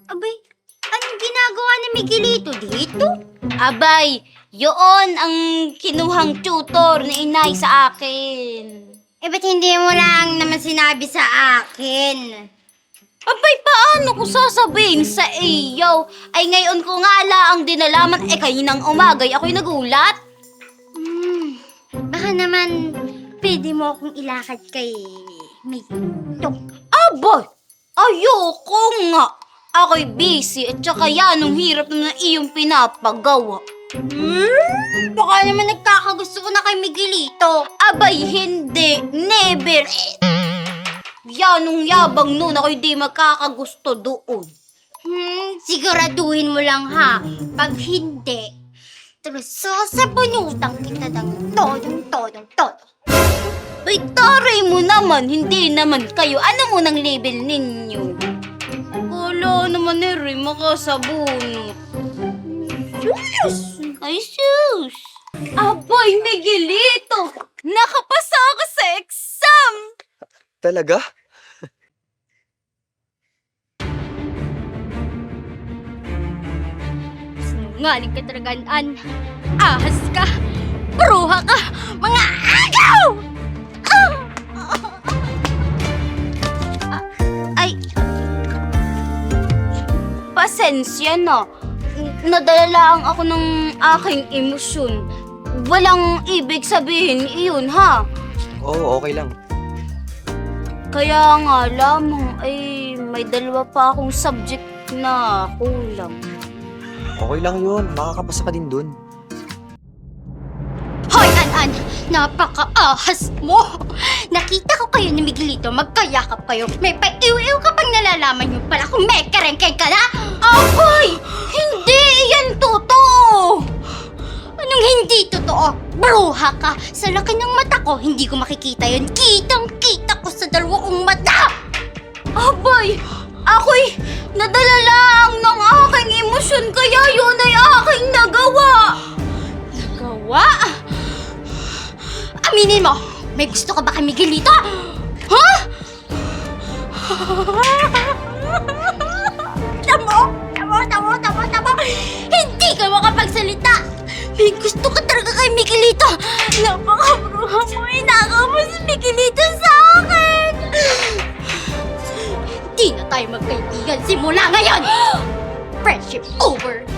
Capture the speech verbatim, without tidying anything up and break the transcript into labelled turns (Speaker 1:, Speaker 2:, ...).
Speaker 1: Abay, anong ginagawa ni Miguelito dito?
Speaker 2: Abay, yun ang kinuhang tutor ni inay sa akin.
Speaker 1: Eh, ba't hindi mo lang naman sinabi sa akin?
Speaker 2: Abay, paano ko sasabihin sa iyo? Ay ngayon ko nga lang dinalaman, eh kaninang umagay ako'y nagulat.
Speaker 1: Hmm, baka naman pwede mo akong ilakad kay Miguelito.
Speaker 2: Abay, ayoko nga. Ako'y busy at saka yan ang hirap na iyong pinapagawa.
Speaker 1: Hmm, baka naman nagkakagusto ko na kay Miguelito.
Speaker 2: Abay, hindi. Never. Yan ang yabang nun. Ako'y di magkakagusto doon.
Speaker 1: Hmm, siguraduhin mo lang ha. Pag hindi, tulos sasabunutan kita ng todong-todong-todo.
Speaker 2: Ay, taray mo naman. Hindi naman kayo. Ano mo ng label ninyo? Wala naman eh rin makasabunot.
Speaker 1: Sus!
Speaker 2: Ay, sus! Abay, Miguelito! Nakapasa ako sa exam!
Speaker 3: Talaga?
Speaker 1: Sinungaling ka talaga, An. Ahas ka! Bruha ka! Mga agaw! Ah!
Speaker 2: Ay, pasensya na. Nadala lang ako ng aking emosyon. Walang ibig sabihin iyon, ha?
Speaker 3: Oo, okay lang.
Speaker 2: Kaya nga lamang ay may dalawa pa akong subject na kulang.
Speaker 3: Okay lang yun. Makakapasa ka din dun.
Speaker 1: Hoy, An-An! Napaka-ahas mo! Nakita ko kayo ni Miguelito, magkayakap kayo. May pa-iw-iw ka pang nalalaman yung pala kung may karengkay ka na!
Speaker 2: Abay! Hindi yan totoo!
Speaker 1: Anong hindi totoo? Bruha ka! Sa laki ng mata ko, hindi ko makikita yun. Kitang-kita ko sa dalawa kong mata!
Speaker 2: Abay! Ako'y nadala lang ng aking emosyon kaya yun ay aking nagawa!
Speaker 1: Gawa? Aminin mo, may gusto ka ba kay Miguelito? Ha? Tamo! Tamo! Tamo! Tamo! Tamo! Hindi ka makapagsalita! May gusto ka talaga kay Miguelito! Napakabruha mo! Inagaw mo si Miguelito sa akin! Hindi na tayo magkaibigan simula ngayon! Friendship over!